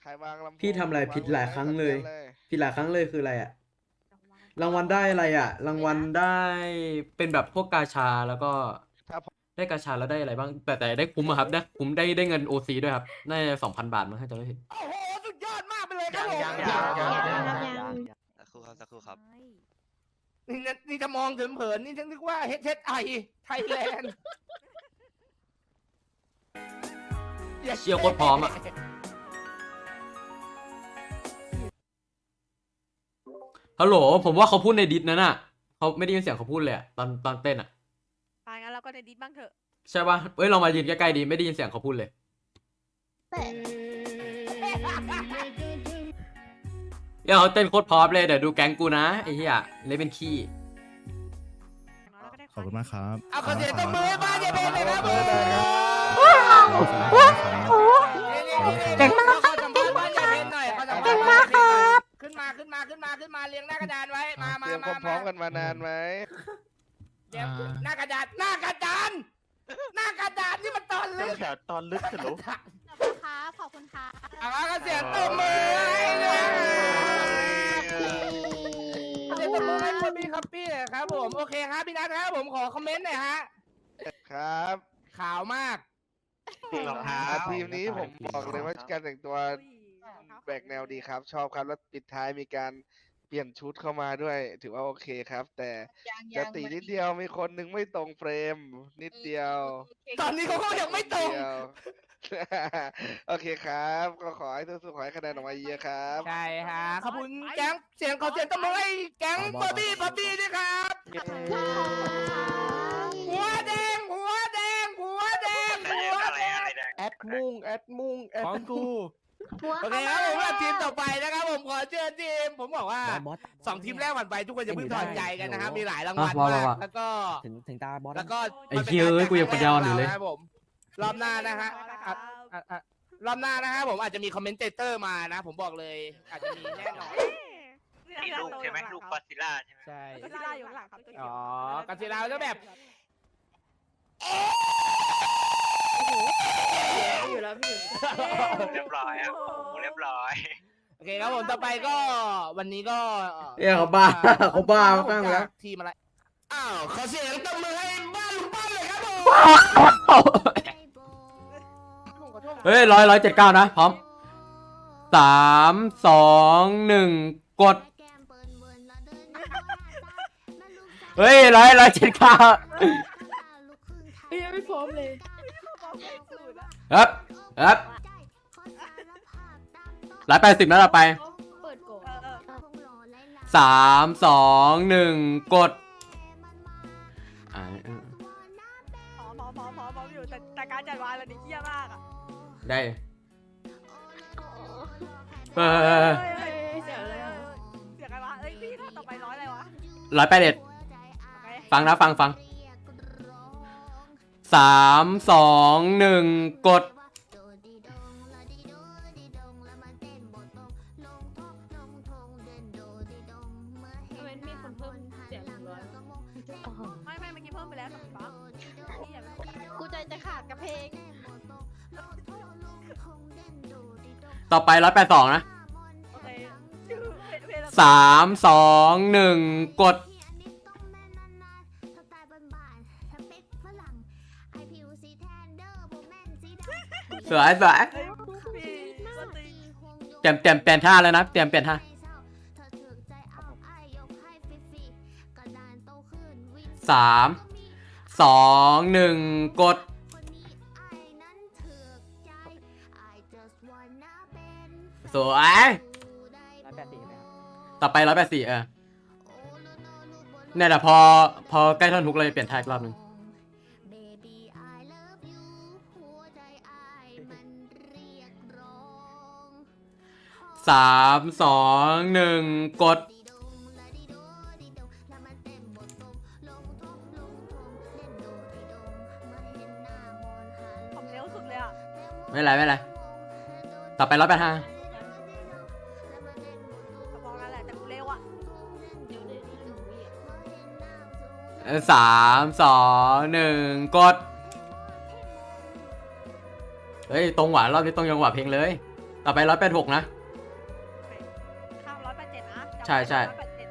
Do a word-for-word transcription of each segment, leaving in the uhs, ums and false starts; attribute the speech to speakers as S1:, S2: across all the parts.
S1: รวางลำโพง
S2: พี่ทำอะไรผิดหลายครั้งเลย
S1: วาง
S2: ผิดหลายครั้งเลยคืออะไรอะรางวัลได้อะไรอะรางวัลได้เป็นแบบพวกกาชาแล้วก็
S1: ถ้า
S2: ได้กาชาแล้วได้อะไรบ้างแต่แต่ได้คุ้มอะครับได้คุ้มได้ได้เงินโอซีด้วยครับได้สองพันบาทมั้งถ้าจะไม่ผิด
S1: โอ้โหสุดยอดมากไปเลยครับผม
S3: ยังยังยังยังยัง
S4: สักครู่ครับสักครู่ครับ
S1: นี่นะนี่จะมองเผินๆนี่ฉันนึกว่า เอช เอส ไอ ไทยแลนด์
S2: เชี่ยโคตรพร้อมอะฮัลโหลผมว่าเขาพูดในดิสนั้นอะเขาไม่ได้ยินเสียงเขาพูดเลยอะตอนตอนเต้นอะ
S5: อ่ะงั้นเราก็ในดิสบ้างเถอะ
S2: ใช่ป่ะเอ้ยเรามายืนใกล้ๆดีไม่ได้ยินเสียงเขาพูดเลยเดี๋ยวเขาเต้นโคตรพร้อมเลยเดี๋ยวดูแก๊งกูนะไอ้เหี้ยเล่นเป็นขี้
S6: ขอบคุณมากครับ
S1: เอาขอเสียงตบมือให้บ้านเจเบนเลยครับผม
S6: เก่งมาก
S1: ขอสัมภาษณ์บ้านเจเบนหน่อยขอสัมภาษณ์บ้านเจเบนหน่อยขึ้นมาขึ้นมาขึ้นมาขึ้นมาเรียงหน้ากระดานไว้มามา
S7: เตรียม
S1: มา
S7: พร้อมๆกันมานานไหม
S1: เดี๋ยวหน้ากระดานหน้ากระดานหน้ากระดานนี่มันตอนลึก
S3: แถวตอนลึกเถอะลูก
S5: ขอบคุณครับขอบคุณครับ
S1: เอาขอเสียงตบมือให้เลยขอเสียงตบมือให้คนพี่คัปปี้หน่อยครับผมโอเคครับพี่นัทครับผมขอคอมเมนต์หน่อยฮะ
S7: ครับ
S1: ขาวมาก
S3: รองเท้า
S7: อ่ะทีมนี้ผมบอกเลยว่าการแต่งตัวแบกแนวดีครับ ชอบครับแล้วปิดท้ายมีการเปลี่ยนชุดเข้ามาด้วย ถือว่าโอเคครับ แต่จะตีนิดเดียวมีคนหนึงไม่ตรงเฟรม นิดเดียว
S1: ตอนนี้เขาก็ยังไม่ตรง
S7: นิดเดียว โอเคครับ ก็ขอให้สู้ๆขอให้คะแนนออกมาเยอะครับ
S1: ใช่ฮะขอบคุณแก๊งเสียงขอเสียงตบมือให้แก๊งบอบบี้บอบบี้ด้วยครับหัวแดงหัวแดงหัวแดงหัวแดง
S7: แอดมุ่งแอดมุ่งแอด
S3: ของกู
S1: โอเคครับผมว่าทีมต่อไปนะครับผมขอเชิญทีมผมบอกว่าสองทีมแรกผ่านไปทุกคนจะเพิ่งถอดใจกันนะครับมีหลายรางวัลมากแล้วก็
S6: ถึงถึงตาบอส
S1: แล้วก็
S2: ไอ้เหี้ยเอ้ยกูยังปัญญาอ่อนอยู่เลย
S1: ครับผมรอบหน้านะฮะอ่ะอ่ะอ่ะรอบหน้านะฮะผมอาจจะมีคอมเมนเตอร์มานะ ผมบอกเลยอาจจะมีแน่นอน
S4: มีลูกใช่ไหมลูกกอซิล่าใช่ไหม
S1: ใช่
S5: ก็ซิล่าอยู่ข้างหลังครับตัวเขียว
S1: อ๋อกาซิลาจะแบบ
S5: อยู่แล้วพี่
S4: เรียบร้อยครับโอ้โหเรียบร้อย
S1: โอเคครับผมต่อไปก็วันนี้ก็
S2: เอ้ยเขาบ้าเขาบ้ามากแล้ว
S1: ทีมอะไรอ้าวขอเสียงตบมือให้บ้านลุงป้อมเลยครับผมผมขอโทษ
S2: เฮ้ยร้อยร้อยเจ็ดเก้านะพร้อมสามสองหนึ่งกดเฮ้ยร้อยร้อยเจ็ดเก้า
S5: ยังไม่พร้อมเลย
S2: ครับครับร้อยแปดสิบนะเราไป
S5: เปิดโก
S2: สามสองหนึ่งกดอ่าเออ
S5: พร้อมพร้อมพร้อมพร้อมพร้อมอยู่แต่แต่การจัดวางเราดิเหี้ยมากอ่ะ
S2: ได้เออ
S5: เสียอะไรอ่ะเสียอะไรวะเอ้ยพี่ถ้าต่อไปร้อยอะไรวะ
S2: ร้อยแปดเอ็ด
S5: โอเค
S2: ฟังนะฟังฟังสามสองหนึ่งกด
S5: ไม่ไม่เมื่อกี้เพิ่มไปแล้วกับป๊อปพี่อย่าไปกูใจจะขาดกับเพลง
S2: ต่อไปร้อยแปดสองนะ
S5: โอเคชื่อเพลง
S2: สามสองหนึ่งกดสวยสวย
S5: เอ้ยพี่สติ
S2: เตรียมเตรียมเปลี่ยนท่าแล้วนะเตรียมเปลี่ยนท่าสามสองหนึ่งกดสวยต่อไปร้อยแปดสี่เออเนี่ยแหละพอพอใกล้ท่อนฮุกเลยเปลี่ยนท่าอีกรอบหนึ่งสามสองหนึ่งกด
S5: ผมเร็วสุดเลยอ่ะ
S2: ไม่เป็นไรไม่เป็นไรต่อไปร้อยแปดห้า
S5: ก็บอกกันแหละแต่กูเร็วอ่ะ
S2: สามสองหนึ่งกดเฮ้ยตรงหวานรอบนี้ตรงยังหวะเพลงเลยต่อไปร้อยแปดหกนะ
S5: ข้ามร้อยแปดเจ็ดนะ
S2: ใช่ใช่
S5: ร้อยแปดเจ็ด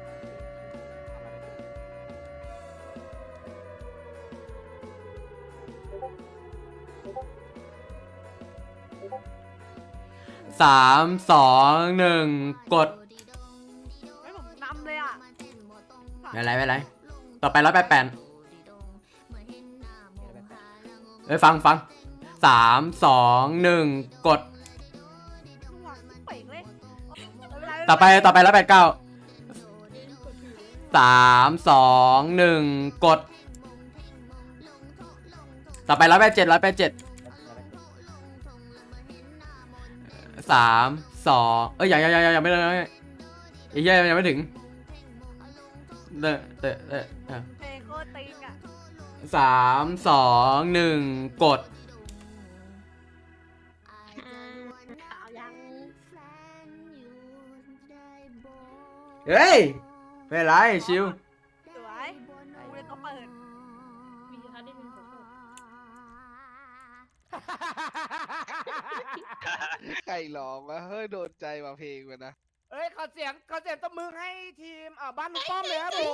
S2: สามสองหนึ่งกด
S5: ไม่ผมนำเลยอ่ะ
S2: ไม่เป็นไรไม่เป็นไรต่อไปร้อยแปดแปดเอ้ยฟังฟังสามสองหนึ่งกด
S5: เป่งเลย
S2: ต่อไปต่อไปร้อยแปดเก้าสามสองหนึ่งกด ต่อไปร้อยแปดเจ็ดร้อยแปดเจ็ดสามสองเอ้ยยังยังยังยังไม่เลยไอ้เหี้ยยังไม่ถึงเด้อเด้อเด้อ
S5: เพลงโคตรติงอ่ะ
S2: สามสองหนึ่งกด
S5: เอายัง
S2: เฮ้ยไม่เป็นไรชิว
S5: สวยกูเลยก็เปิด
S7: ใครร้องวะเฮ้ยโดนใจมาเพลงมันนะ
S1: เอ้ยขอเสียงขอเสียงตบมือให้ทีมอ่าบ้านลุงป้อมเลยครับผม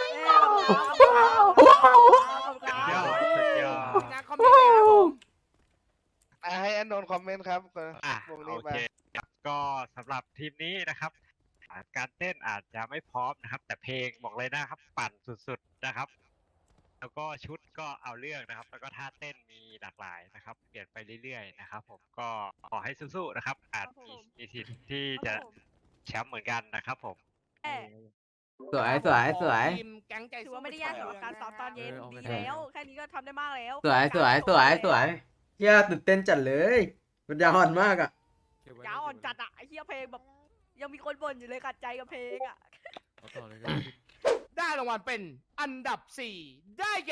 S4: ยอดสุดยอด
S1: งานคอมเมนต์เลยครับผม
S7: อ่ะให้อนนท์คอมเมนต์ครับ
S4: อ่ะ
S7: พวก
S4: โอ
S7: นี้มา
S4: เคครับก็สำหรับทีมนี้นะครับอ่าการเต้นอาจจะไม่พร้อมนะครับ แต่เพลงบอกเลยนะครับปั่นสุดๆนะครับ แล้วก็ชุดก็เอาเรื่องนะครับ แล้วก็ท่าเต้นมีหลากหลายนะครับ เปลี่ยนไปเรื่อยๆนะครับ ผมก็ขอให้สู้ๆนะครับ อาจมีมีสิทธิ์ที่จะแชมป์เหมือนกันนะครับผม
S5: เอ้ย
S2: สวยสวยสวย
S1: ทีมแก๊งใจ
S5: ถือ
S1: สู้
S5: ว่าไม่ได้ยากสำหรับการซ้อมตอนเย็นดีแล้ว แค่นี้ก็ทำได้มากแล้ว
S2: สวยสวยสวยสวยเฮียตื่นเต้นจัดเลยมันยาวอ่อนมากอ่ะ
S5: ยาวอ่อนจัดอ่ะไอ้เหี้ยเพลงแบบยังมีคนบ่นอยู่เลยขัดใจกับเพลงอ่ะ
S1: ได้รางวัลเป็นอันดับสี่ได้แก่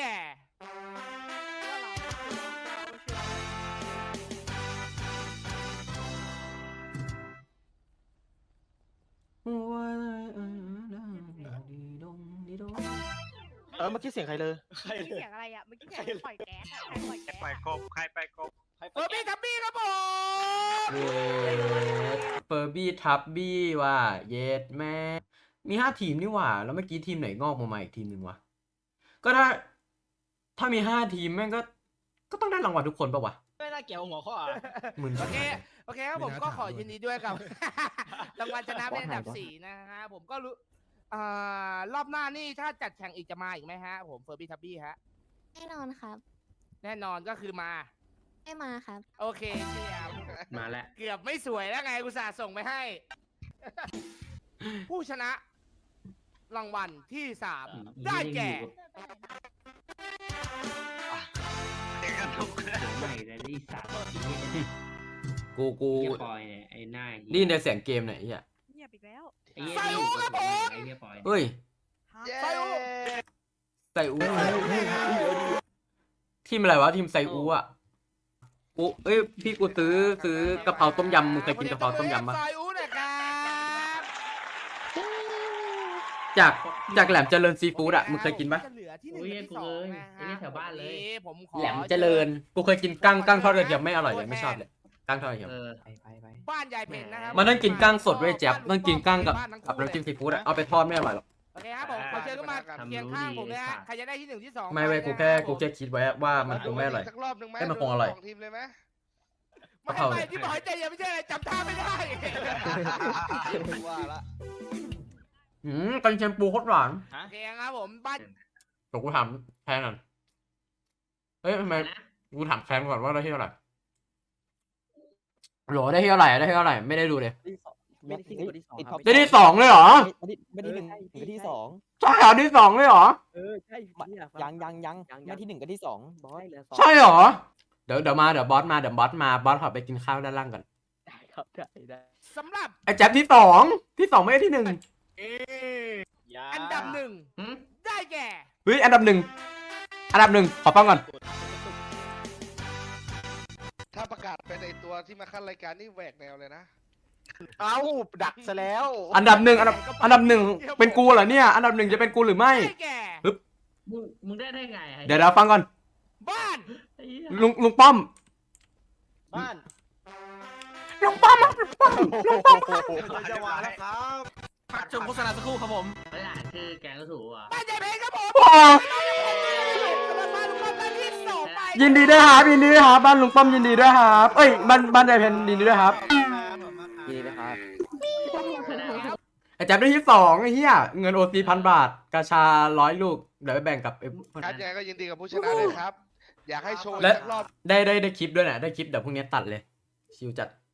S3: เออเมื่อกี้เสียงใครเลย
S5: เมื่อกี้เสียงอะไรอ่ะเมื่อกี้เสียงปล่อยแก๊สอ่ะใครปล่อยแก๊ส
S4: ไป
S5: อะ
S4: กบใครไปกบ
S1: เฟอร์บี้ทับบี้ครับผม
S2: เฟอร์บี้ทับบี้ว่ะเยดแม่มีห้าทีมนี่หว่า แล้วเมื่อกี้ทีมไหนงอกมาใหม่อีกทีมหนึ่งวะก็ถ้า ถ้ามีห้าทีมแม่งก็ ก็ต้องได้รางวัลทุกคนปะวะ
S3: ไม่น่าเกี่ยวหัวข้ออ่ะ
S2: มึน
S1: โอเคโอเคครับผมก็ขอยินดีด้วยกับ รางวัลชนะเป็นอันดับสี่นะฮะผมก็รู้อ่ารอบหน้านี่ถ้าจัดแข่งอีกจะมาอีกไหมฮะผมเฟอร์บี้ทับบี้ฮะ
S8: แน่นอนครับ
S1: แน่นอนก็คือมา
S8: ไม่มาครับ
S1: โอเคเชียร์
S2: มาแล้ว
S1: เกือบไม่สวยแล้วไงกูสาห์ส่งไปให้ ผู้ชนะ รางวัลที่สามได้แก่
S4: เด็กกันทุก
S9: ใหม่เลยที่สาม
S2: กูกู
S9: เฮียปอยเนี่ยไอ้หน้า
S2: นี่ในเสียงเกมไหนเฮีย
S5: เงียบอีกแล้ว
S9: ไอ้เฮีย
S1: ใส่
S9: นี่
S1: หูครับผม
S9: ไอ้เฮียปอย
S2: เฮ้ย
S5: ฮะ
S7: เย้
S1: ใส่อู
S2: ไซอูทีมอะไรวะทีมไซอูอ่ะกูเอ้ยพี่กูซื้อซื้อกะเพราต้มยำมึงเคยกินกะเพราต้มยำปะ
S1: ซอยอูนะครับ
S2: จากจากแหลมเจริญซีฟู้ดอ่ะมึงเคยกินปะ
S1: จะเหลือที่หนึ่
S9: โอ้
S1: ง
S9: ย
S1: กับที่
S9: กู
S1: สอ
S9: เล
S1: ง
S9: ย
S1: นะ
S9: ไอ้
S1: ฮะ
S9: นี่แถวบ้านเลย
S1: วันนี้ผมขอ
S2: แหลมเจริญกูเคยกินกั้งกั้งทอดกระเทียมไม่อร่อยเลยไม่ชอบเลยกั้งทอดกระเทียม
S9: เออ
S6: ไปไปไป
S1: บ้านยายเพนนะครับ
S2: มันต้องกินกั้งสดด้วยแจ๊บต้องกินกั้งกับกับน้ำจิ้มซีฟู้ดอะเอาไปทอดไม่อร่อยหรอก
S1: โอเคครับผมขอเชิญเข้ามาเคียงข้างผมเลยฮะใครจะได้ที่หนึ่งที่สอง
S2: ไม่เว้ยกูแค่กูแค่คิดไว้ว่ามันคงไม่อร่อย
S7: สักรอบหนึ่งไหม
S2: ให้มันคงอร่อย
S7: สองทีมเลยไหม
S1: ไม่ไม่ที่บอกให้ใจเย็นไม่ใช่อะไรจำท่าไม่ได้
S7: ว่าละ
S2: อืมกันเชียงปูโคตรหวาน
S1: โอเคครับผมบ้าน
S2: เดี๋ยวกูถามแทนก่อนเฮ้ยทำไมกูถามแทนก่อนว่าได้ที่เท่าไหร่โหลได้ที่เท่าไหร่ได้ที่เท่าไหร่ไม่ได้ดูเลย
S6: ไม่ได้ที่หนึ่งที่สอง
S2: ได้ที่สองเลยเหรอ
S6: ไม่ได้ไม่ได้หนึ่งถึงที่สอง
S2: ใช่เหรอที่สองเลยเหรอ
S6: เออใช่ยังยังยังไม่ที่หนึ่งกับที่สองบอส
S2: ใช่เหรอเดี๋ยวเดี๋ยวมาเดี๋ยวบอสมาเดี๋ยวบอสมาบอสขอไปกินข้าวด้านล่างก่อน
S6: ได้ครับได้ได้
S1: สำหรับ
S2: ไอ้แจ๊บที่สองที่สองไม่ได้ที่หนึ่ง
S1: อันดับหนึ่งได้แก่
S2: เฮ้ยอันดับหนึ่งอันดับหนึ่งขอฟังก่อน
S7: ถ้าประกาศเป็นไอตัวที่มาขั้นรายการนี่แหวกแนวเลยนะ
S3: เอ้าดักซะแล้ว
S2: อันดับหนึ่งอันดับอันดับหนึ่งเป็นกูเหรอเนี่ยอันดับหนึ่งจะเป็นกูหรือไม่
S1: ได้แก่
S9: มึงมึงได้ได้ไง
S2: เดี๋ยวเราฟังก่อน
S1: บ้าน
S9: ไอ้เหี้ย
S2: ลุงลุงป้อม
S3: บ้าน
S2: รลุงป้อมลุงป้อมลุงป้อม
S3: จะมาแล้วครับ
S6: พักชมโฆษณาสักครู่ครับผม
S9: เวลาชื่อแกงก็ถูกอ่ะ
S1: บ้านใหญ่เพลงครับผม
S2: โอ้
S1: กำลังมาลุงป้อมได้ที่สองไป
S2: ยินดีด้วยครับยินดีด้วยครับบ้านลุงป้อมยินดีด้วยครับเอ้ยบ้านบ้านใจเพนยินดีด้วยครับ
S6: ยินดีนะครับ
S2: ไอ้แจ๊บได้ที่สองไอ้เหี้ยเงินโอซีพันบาทกาชาร้อยลูกเดี๋ยวไปแบ่งกับไอ้พวก
S7: ครับ
S2: นั้น
S7: ยังไงก็ยินดีกับผู้ชนะเลยครับ อยากให้โชว์
S2: และ
S7: สักรอบ
S2: ได้ได้ได้คลิปด้วยนะได้คลิปเดี๋ยวพรุ่งนี้ตัดเลยชิวจัด